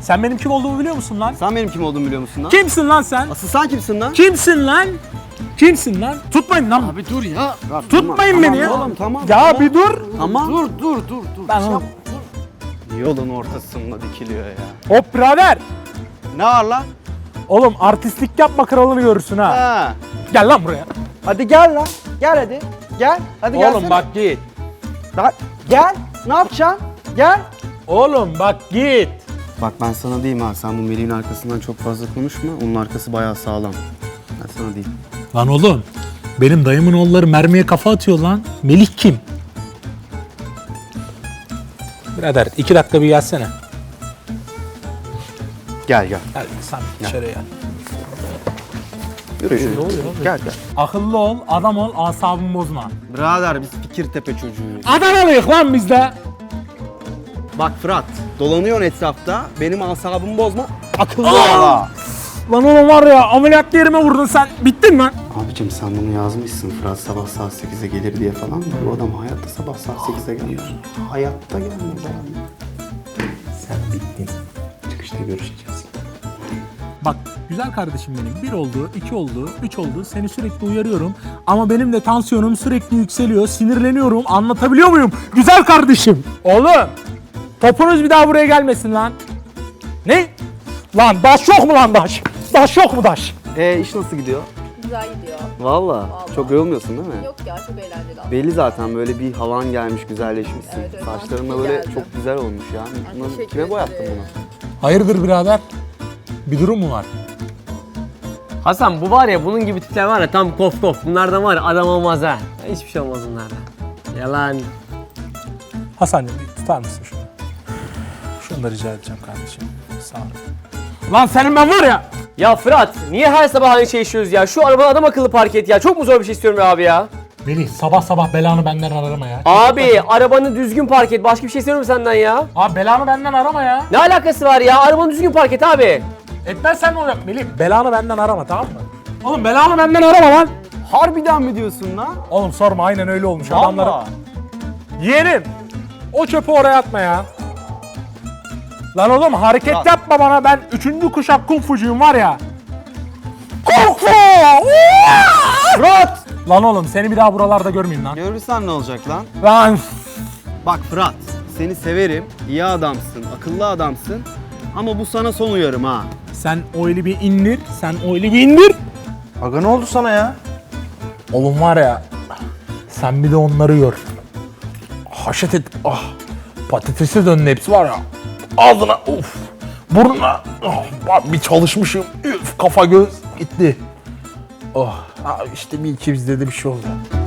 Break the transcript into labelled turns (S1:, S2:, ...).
S1: Sen benim kim olduğumu biliyor musun lan?
S2: Sen benim kim olduğumu biliyor musun lan?
S1: Kimsin lan sen?
S2: Asıl sen kimsin lan?
S1: Kimsin lan? Kimsin lan? Tutmayın lan.
S2: Abi dur ya.
S1: Tutmayın beni ya.
S2: Oğlum tamam.
S1: Ya
S2: tamam.
S1: bir dur.
S2: Tamam. Dur.
S1: Ben oğlum.
S2: Yolun ortasında dikiliyor ya.
S1: Hop birader.
S2: Ne var lan?
S1: Oğlum artistlik yapma, kralını görürsün ha.
S2: Ha.
S1: Gel lan buraya.
S2: Hadi gel lan. Gel hadi. Gel. Hadi gelsene.
S1: Oğlum bak git.
S2: Lan, gel. Ne yapacaksın? Gel.
S1: Oğlum bak git.
S2: Bak ben sana diyeyim ha. Sen bu Melih'in arkasından çok fazla konuşma. Onun arkası bayağı sağlam. Ben sana diyeyim.
S1: Lan oğlum. Benim dayımın oğulları mermiye kafa atıyor lan. Melih kim? Birader 2 dakika bir gelsene.
S2: Gel.
S1: Gel sen içeriye gel.
S2: Yürü.
S1: Ne oluyor oğlum?
S2: Gel.
S1: Akıllı ol, adam ol, asabımı bozma.
S2: Birader biz Fikirtepe çocuğuyuz.
S1: Adanalıyık lan biz de.
S2: Bak Fırat, dolanıyorsun etrafta, benim asabımı bozma, akıllı
S1: Aa!
S2: ol.
S1: Lan oğlum var ya, ameliyat yerime vurdun sen. Bittin lan.
S2: Abicim sen bunu yazmışsın, Fırat sabah saat 8'e gelir diye falan. Bu adam hayatta sabah saat 8'e gelmiyor. Hayatta gelmez abi. Sen bittin. Çıkışta görüşeceğiz.
S1: Bak güzel kardeşim benim. 1 oldu, 2 oldu, 3 oldu. Seni sürekli uyarıyorum. Ama benim de tansiyonum sürekli yükseliyor. Sinirleniyorum. Anlatabiliyor muyum? Güzel kardeşim. Oğlum. Topunuz bir daha buraya gelmesin lan. Ne? Lan daş yok mu lan daş? Daş yok mu daş?
S2: İş nasıl gidiyor?
S3: Güzel gidiyor.
S2: Vallahi. Çok yorulmuyorsun değil mi?
S3: Yok ya, çok eğlenceli aslında.
S2: Belli zaten böyle bir havan gelmiş, güzelleşmişsin.
S3: Evet, evet,
S2: Saçların da
S3: mantıklı
S2: böyle
S3: geldi.
S2: çok güzel olmuş ya. Bunu
S3: teşekkür
S2: kime boyattın
S3: ederim.
S2: bunu?
S1: Hayırdır birader? Bir durum mu var?
S4: Hasan bu var ya, bunun gibi tipler var ya, tam kof kof. Bunlardan var ya, adam olmaz ha. Hiçbir şey olmaz bunlardan. Yalan.
S1: Hasan'cığım bir tutar mısın şunu? Şunu da rica edeceğim kardeşim. Sağ ol. Lan senin ben var ya.
S4: Ya Fırat, niye her sabah aynı şey işliyoruz ya? Şu arabanı adam akıllı park et ya. Çok mu zor bir şey istiyorum ya abi ya?
S1: Melih sabah sabah belanı benden arama ya.
S4: Abi arabanı düzgün park et. Başka bir şey istiyorum senden ya.
S1: Abi belanı benden arama ya.
S4: Ne alakası var ya? Arabanı düzgün park et abi.
S1: Etmezsen ne olacak Melih? Belanı benden arama, tamam mı? Oğlum belanı benden arama lan.
S2: Harbiden mi diyorsun lan?
S1: Oğlum sorma, aynen öyle olmuş
S2: Vallahi.
S1: adamlara. Yeğenim o çöpü oraya atma ya. Lan oğlum hareket
S2: Fırat.
S1: yapma bana, ben 3. kuşak kung fucuyum var ya. Kung fu!
S2: Fırat!
S1: Lan oğlum seni bir daha buralarda görmeyeyim lan.
S2: Görürsen ne olacak lan?
S1: Lan
S2: Bak Fırat, seni severim, iyi adamsın, akıllı adamsın. Ama bu sana son uyarım ha.
S1: sen o eli bir indir, sen o eli bir indir.
S2: Aga ne oldu sana ya?
S1: Oğlum var ya, sen bir de onları gör. Haşet et, patatese döndü hepsi var ya. Ağzına, burnuna, bak bir çalışmışım, kafa göz gitti. İşte bir iki bizde de bir şey oldu.